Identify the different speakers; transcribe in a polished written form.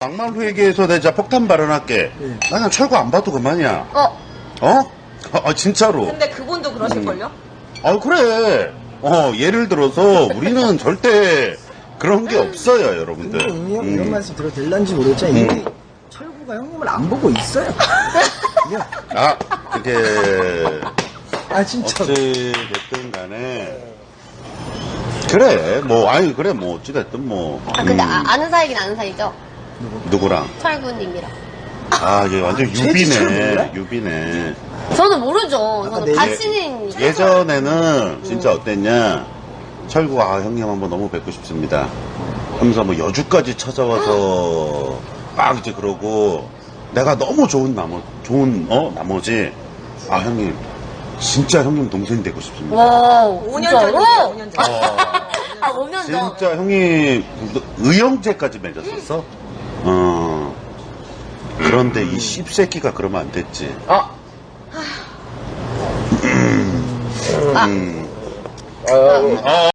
Speaker 1: 막말로 얘기해서 내가 진짜 폭탄 발언할게.
Speaker 2: 네.
Speaker 1: 나 그냥 철구 안 봐도 그만이야. 아, 진짜로.
Speaker 3: 근데 그분도 그러실걸요?
Speaker 1: 그래. 예를 들어서 우리는 절대 그런 게 없어요, 여러분들.
Speaker 2: 근데 이미 형 이런 말씀 들어도 될런지 모르겠지만 이미 철구가 형님을 안 보고 있어요. 그냥
Speaker 1: 그게
Speaker 2: 진짜.
Speaker 1: 어찌 됐든 간에 그래 그래 어찌됐든
Speaker 4: 근데 아는 사이긴 아는 사이죠?
Speaker 1: 누구랑?
Speaker 4: 철구님이랑.
Speaker 1: 얘 완전
Speaker 2: 최지철 몰라?
Speaker 1: 유비네.
Speaker 4: 저는 모르죠. 저는
Speaker 2: 네.
Speaker 4: 같이는.
Speaker 1: 예전에는 진짜 어땠냐? 철구가 형님 한번 너무 뵙고 싶습니다. 하면서 여주까지 찾아와서 막 이제 그러고 내가 너무 좋은 나머지 형님 진짜 형님 동생 되고 싶습니다.
Speaker 4: 와,
Speaker 3: 5년 전이에요, 5년 전.
Speaker 4: 5년 전.
Speaker 1: 진짜 형님 의형제까지 맺었었어. 그런데 이 씹새끼가 그러면 안 됐지.